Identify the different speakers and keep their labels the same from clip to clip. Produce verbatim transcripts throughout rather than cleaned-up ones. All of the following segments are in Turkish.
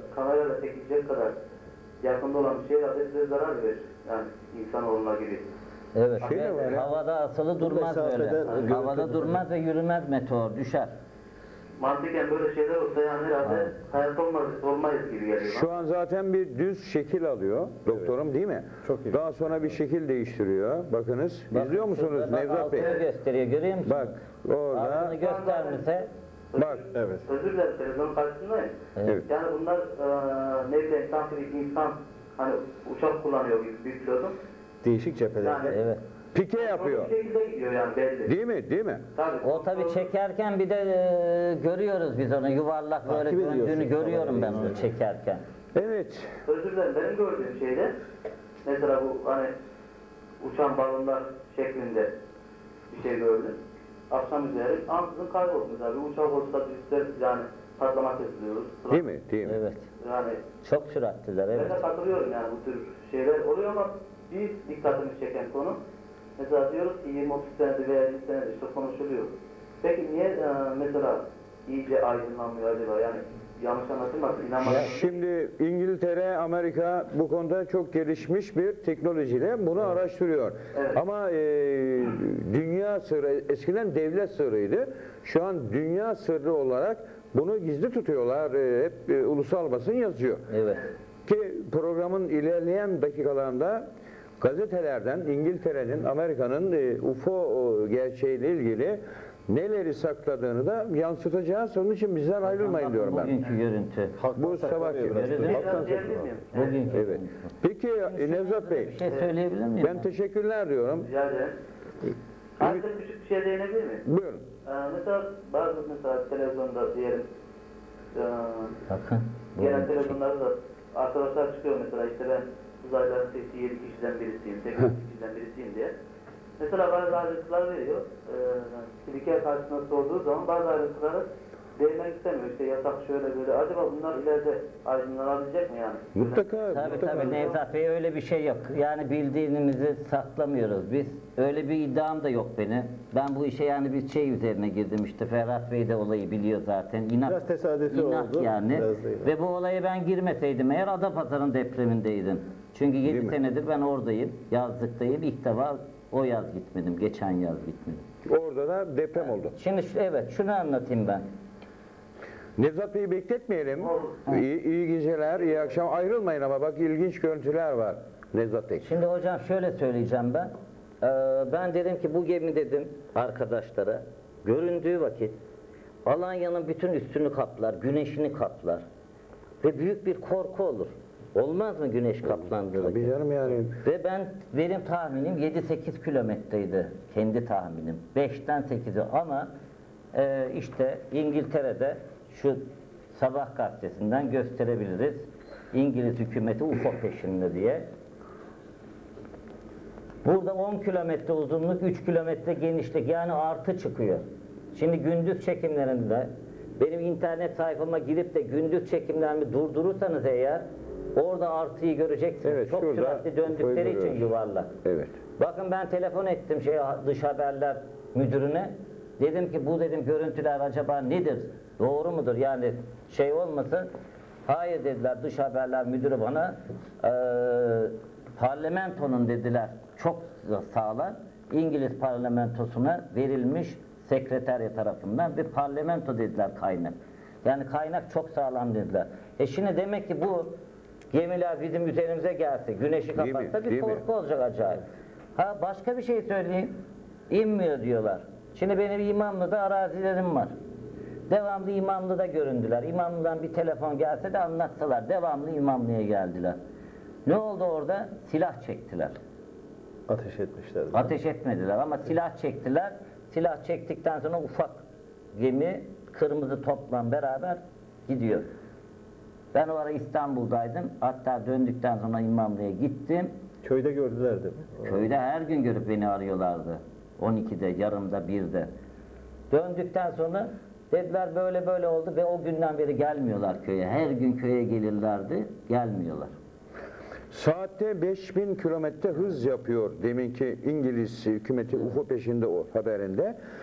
Speaker 1: kamerayla çekilecek kadar yakında olan bir şeyler de size zarar verir. Yani insanoğluna gibi.
Speaker 2: Evet.
Speaker 3: Şey de var ya.
Speaker 2: Havada asılı durmaz böyle.
Speaker 4: mesafeden
Speaker 2: Havada durmaz ve yürümez meteor, düşer.
Speaker 1: Mantıken böyle şeyler olsa yani herhalde hayatta olmaz, olmayız gibi geliyor.
Speaker 3: Şu an zaten bir düz şekil alıyor doktorum, değil mi?
Speaker 4: Çok iyi.
Speaker 3: Daha sonra bir şekil değiştiriyor. Bakınız.
Speaker 2: Bak,
Speaker 3: İzliyor musunuz
Speaker 2: şurada bak,
Speaker 3: Nevzat Bey?
Speaker 2: altını gösteriyor, görüyor musun?
Speaker 3: Bak orada.
Speaker 2: Altını göstermişse
Speaker 3: Bak.
Speaker 4: Evet.
Speaker 1: Özür dilerim, televizyon karşısındayım.
Speaker 3: Evet.
Speaker 1: Yani bunlar e, ne bileyim sanki bir insan hani uçak kullanıyor bir, bir pilotun.
Speaker 4: Değişik cepheler.
Speaker 1: Yani
Speaker 2: evet.
Speaker 3: Pike yapıyor.
Speaker 1: bir şekilde gidiyor yani belli.
Speaker 3: Değil mi? Değil mi?
Speaker 1: Tabii.
Speaker 2: O tabii çekerken bir de e, görüyoruz biz onu, yuvarlak böyle
Speaker 4: Takip ediyorsun
Speaker 2: döndüğünü görüyorum ben
Speaker 4: kamerayı
Speaker 2: onu çekerken.
Speaker 3: Evet.
Speaker 1: Özür dilerim, benim gördüğüm şeyde mesela bu hani uçan balonlar şeklinde bir şey gördüm. Akşam üzeri ansızın kayboldu mesela bir uçak olsa biz yani patlama kesiliyoruz.
Speaker 3: Değil mi? Değil mi?
Speaker 2: Evet.
Speaker 1: Yani
Speaker 2: Çok süratliler, evet.
Speaker 1: ben de katılıyorum yani bu tür şeyler oluyor ama bir dikkatimi çeken konu mesela diyoruz ki yirmi otuz senedir veya elli senedir işte konuşuluyor. Peki niye e, mesela iyice aydınlanmıyor acaba yani yanlış anlatılmasın inanmadım.
Speaker 3: Şimdi İngiltere, Amerika bu konuda çok gelişmiş bir teknolojiyle bunu araştırıyor.
Speaker 1: Evet.
Speaker 3: Ama e, dünya sırrı, eskiden devlet sırrıydı. Şu an dünya sırrı olarak bunu gizli tutuyorlar. E, hep e, ulusal basın yazıyor.
Speaker 2: Evet.
Speaker 3: Ki programın ilerleyen dakikalarında gazetelerden İngiltere'nin, Amerika'nın e, U F O gerçeğiyle ilgili neleri sakladığını da yansıtacağız. Onun için bizden ayrılmayın diyorum ben.
Speaker 2: Bugünkü görüntü.
Speaker 3: Bu sabahki.
Speaker 2: Gördün mü?
Speaker 1: Biraz diyebilir miyim?
Speaker 2: Bugünkü.
Speaker 3: Evet. Peki e, Nevzat Bey,
Speaker 2: Bir şey söyleyebilir miyim?
Speaker 3: ben teşekkürler diyorum.
Speaker 1: Rica ederim. Ayrıca küçük bir şey değinebilir miyim?
Speaker 3: Buyurun.
Speaker 1: Ee, mesela bazı mesela televizyonda diyelim e,
Speaker 2: Bakın.
Speaker 1: genel
Speaker 2: bu-
Speaker 1: televizyonlarda da arkadaşlar çıkıyor mesela işte ben uzaylıların seçtiği yedi kişiden birisiyim, sekiz kişiden birisiyim diye. Mesela bazı ayrıntılar veriyor. Ee, spiker karşısında sorduğu zaman bazı ayrıntıları değinmek istemiyor. İşte yasak şöyle böyle. Acaba bunlar ileride aydınlanabilecek mi yani?
Speaker 3: Mutlaka,
Speaker 2: Tabii
Speaker 3: mutlaka.
Speaker 2: tabii Nevzat Bey, öyle bir şey yok. Yani bildiğimizi saklamıyoruz biz. Öyle bir iddiam da yok benim. Ben bu işe yani bir şey üzerine girdim işte. Ferhat Bey de olayı biliyor zaten. İnat,
Speaker 4: Biraz tesadüfi
Speaker 2: inat
Speaker 4: oldu,
Speaker 2: yani.
Speaker 4: biraz da inat.
Speaker 2: Ve bu olaya ben girmeseydim eğer Adapazarı'nın depremindeydim. Çünkü yedi
Speaker 3: mi?
Speaker 2: senedir ben oradayım. Yazlıktayım. İlk defa o yaz gitmedim. Geçen yaz gitmedim.
Speaker 3: Orada da deprem oldu.
Speaker 2: Şimdi şu- evet şunu anlatayım ben.
Speaker 3: Nevzat Bey'i bekletmeyelim. İyi, iyi geceler, iyi akşam. Ayrılmayın ama bak ilginç görüntüler var Nevzat Bey.
Speaker 2: Şimdi hocam şöyle söyleyeceğim ben. Ee, ben dedim ki bu gemi dedim arkadaşlara göründüğü vakit Alanya'nın bütün üstünü kaplar, güneşini kaplar ve büyük bir korku olur. Olmaz mı güneş kaplandığı vakit?
Speaker 3: Tabii canım yani.
Speaker 2: Ve ben benim tahminim yedi sekiz kilometreydi kendi tahminim. beşten sekize ama e, işte İngiltere'de şu Sabah gazetesinden gösterebiliriz. İngiliz hükümeti U F O peşinde diye. Burada on kilometre uzunluk, üç kilometre genişlik yani artı çıkıyor. Şimdi gündüz çekimlerinde benim internet sayfama girip de gündüz çekimlerimi durdurursanız eğer orada artıyı göreceksiniz.
Speaker 3: Evet,
Speaker 2: Çok
Speaker 3: şurada
Speaker 2: süratli döndükleri için
Speaker 3: koyduruyoruz.
Speaker 2: yuvarlak.
Speaker 3: Evet.
Speaker 2: Bakın ben telefon ettim şey dış haberler müdürüne. Dedim ki bu dedim görüntüler acaba nedir? Doğru mudur? Yani şey olmasın. Hayır dediler dış haberler müdürü bana. Ee, parlamentonun dediler çok sağlam. İngiliz parlamentosuna verilmiş sekreterya tarafından bir parlamento dediler kaynak. Yani kaynak çok sağlam dediler. E şimdi demek ki bu gemiler bizim üzerimize gelse, güneşi
Speaker 3: Değil mi?
Speaker 2: kapatsa bir
Speaker 3: Değil mi?
Speaker 2: korku olacak acayip. Ha başka bir şey söyleyeyim. İnmiyor diyorlar. Şimdi benim İmamlı'da arazilerim var. Devamlı İmamlı'da göründüler. İmamlı'dan bir telefon gelse de anlatsalar. Devamlı İmamlı'ya geldiler. Ne oldu orada? Silah çektiler.
Speaker 4: Ateş etmişler.
Speaker 2: Ateş etmediler ama silah çektiler. Silah çektikten sonra ufak gemi kırmızı topla beraber gidiyor. Ben o ara İstanbul'daydım. Hatta döndükten sonra İmamlı'ya gittim.
Speaker 4: Köyde gördüler değil mi?
Speaker 2: Köyde her gün görüp beni arıyorlardı. on ikide, yarımda, birde. Döndükten sonra dediler böyle böyle oldu ve o günden beri gelmiyorlar köye. Her gün köye gelirlerdi, gelmiyorlar.
Speaker 3: Saatte beş bin kilometre hız yapıyor deminki İngiliz hükümeti U F O peşinde o haberinde.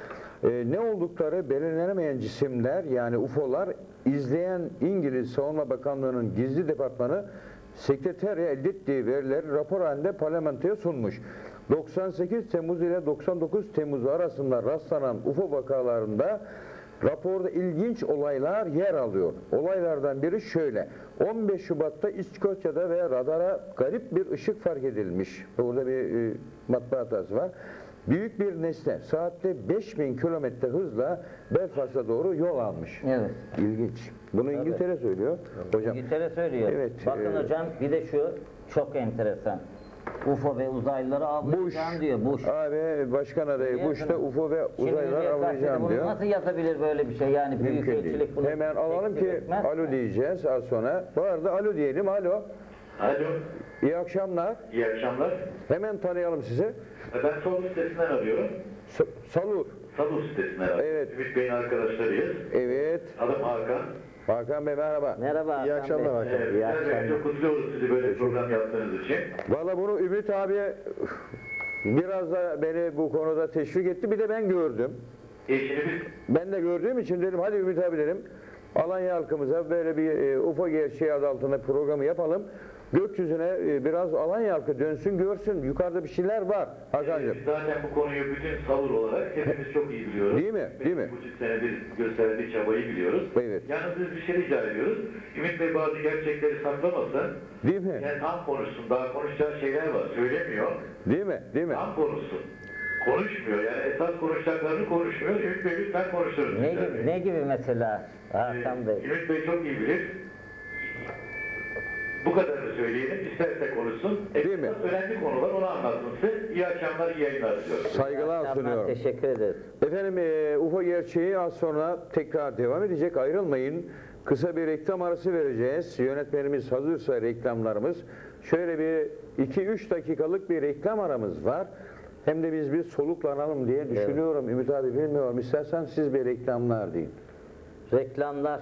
Speaker 3: e, ne oldukları belirlenemeyen cisimler yani U F O'lar izleyen İngiliz Savunma Bakanlığı'nın gizli departmanı sekreterya elde ettiği verileri rapor halinde parlamentoya sunmuş. doksan sekiz Temmuz ile doksan dokuz Temmuz arasında rastlanan U F O vakalarında raporda ilginç olaylar yer alıyor. Olaylardan biri şöyle. on beş Şubat'ta İskoçya'da ve radara garip bir ışık fark edilmiş. Burada bir e, matbaa hatası var. Büyük bir nesne saatte beş bin kilometre hızla Belfast'a doğru yol almış.
Speaker 2: Evet.
Speaker 3: İlginç. Bunu İngiltere söylüyor. Hocam.
Speaker 2: İngiltere söylüyor.
Speaker 3: Evet,
Speaker 2: Bakın
Speaker 3: e,
Speaker 2: hocam bir de şu çok enteresan. U F O ve uzaylıları avlayacağım diyor. Bush.
Speaker 3: Abi başkan adayı Bush da U F O ve uzaylılar
Speaker 2: Şimdi
Speaker 3: avlayacağım
Speaker 2: bunu
Speaker 3: diyor.
Speaker 2: nasıl yazabilir böyle bir şey? Yani büyük
Speaker 3: Mümkün değil.
Speaker 2: elçilik bunu
Speaker 3: Hemen alalım
Speaker 2: teklif
Speaker 3: ki
Speaker 2: etmez.
Speaker 3: alo diyeceğiz az sonra. Bu arada alo diyelim. Alo.
Speaker 5: Alo,
Speaker 3: İyi akşamlar.
Speaker 5: iyi akşamlar.
Speaker 3: Hemen tanıyalım sizi.
Speaker 5: Ben Salu sitesinden arıyorum.
Speaker 3: S- Salur.
Speaker 5: Salu sitesinden arıyorum.
Speaker 3: Evet.
Speaker 5: Ümit Bey'in arkadaşlarıyız.
Speaker 3: Evet.
Speaker 5: Adım Hakan.
Speaker 3: Hakan Bey merhaba.
Speaker 2: Merhaba.
Speaker 4: İyi
Speaker 2: Hakan
Speaker 4: akşamlar
Speaker 2: Bey.
Speaker 4: Hakan.
Speaker 5: Ee,
Speaker 2: İyi
Speaker 5: Güzel Bey,
Speaker 2: akşamlar.
Speaker 5: çok kutluyoruz sizi böyle program yaptığınız için.
Speaker 3: Valla bunu Ümit abi biraz da beni bu konuda teşvik etti. Bir de ben gördüm.
Speaker 5: E şimdi biz
Speaker 3: Ben de gördüğüm için dedim hadi Ümit abi dedim. Alanya halkımıza böyle bir e, U F O gerçeği adı altında programı yapalım. Gökyüzüne e, biraz Alanya halkı dönsün görsün. Yukarıda bir şeyler var Hakan'cığım.
Speaker 5: Biz zaten bu konuyu bütün Salur olarak hepimiz çok iyi biliyoruz.
Speaker 3: Değil mi? Değil mi?
Speaker 5: Bu buçuk senedir gösterdiği çabayı biliyoruz.
Speaker 3: Evet.
Speaker 5: Yalnız biz bir şey rica ediyoruz. Ümit Bey bazı gerçekleri saklamasın.
Speaker 3: Değil mi?
Speaker 5: Yani tam konuşsun. Daha konuşacağı şeyler var. Söylemiyor.
Speaker 3: Değil mi? Değil mi?
Speaker 5: Tam konuşsun. Konuşmuyor. Yani esas konuşacaklarını konuşmuyor. Ümit Bey lütfen konuşturun.
Speaker 2: Ne
Speaker 5: Güzel
Speaker 2: gibi,
Speaker 5: Bey.
Speaker 2: ne gibi mesela Hakan Bey?
Speaker 5: Ümit Bey çok iyi bilir. Bu kadarını söyleyelim. İsterse konuşsun.
Speaker 3: Değil mi?
Speaker 5: Esas önemli konular onu anlatsın size. İyi akşamlar, iyi yayınlar diliyorum.
Speaker 3: Saygılar
Speaker 2: Tamam,
Speaker 3: sunuyorum.
Speaker 2: teşekkür ederiz.
Speaker 3: Efendim e, U F O gerçeği az sonra tekrar devam edecek. Ayrılmayın. Kısa bir reklam arası vereceğiz. Yönetmenimiz hazırsa reklamlarımız. Şöyle bir iki üç dakikalık bir reklam aramız var. Hem de biz bir soluklanalım diye düşünüyorum. Ümit abi bilmiyorum. İstersen siz bir reklamlar deyin.
Speaker 2: Reklamlar.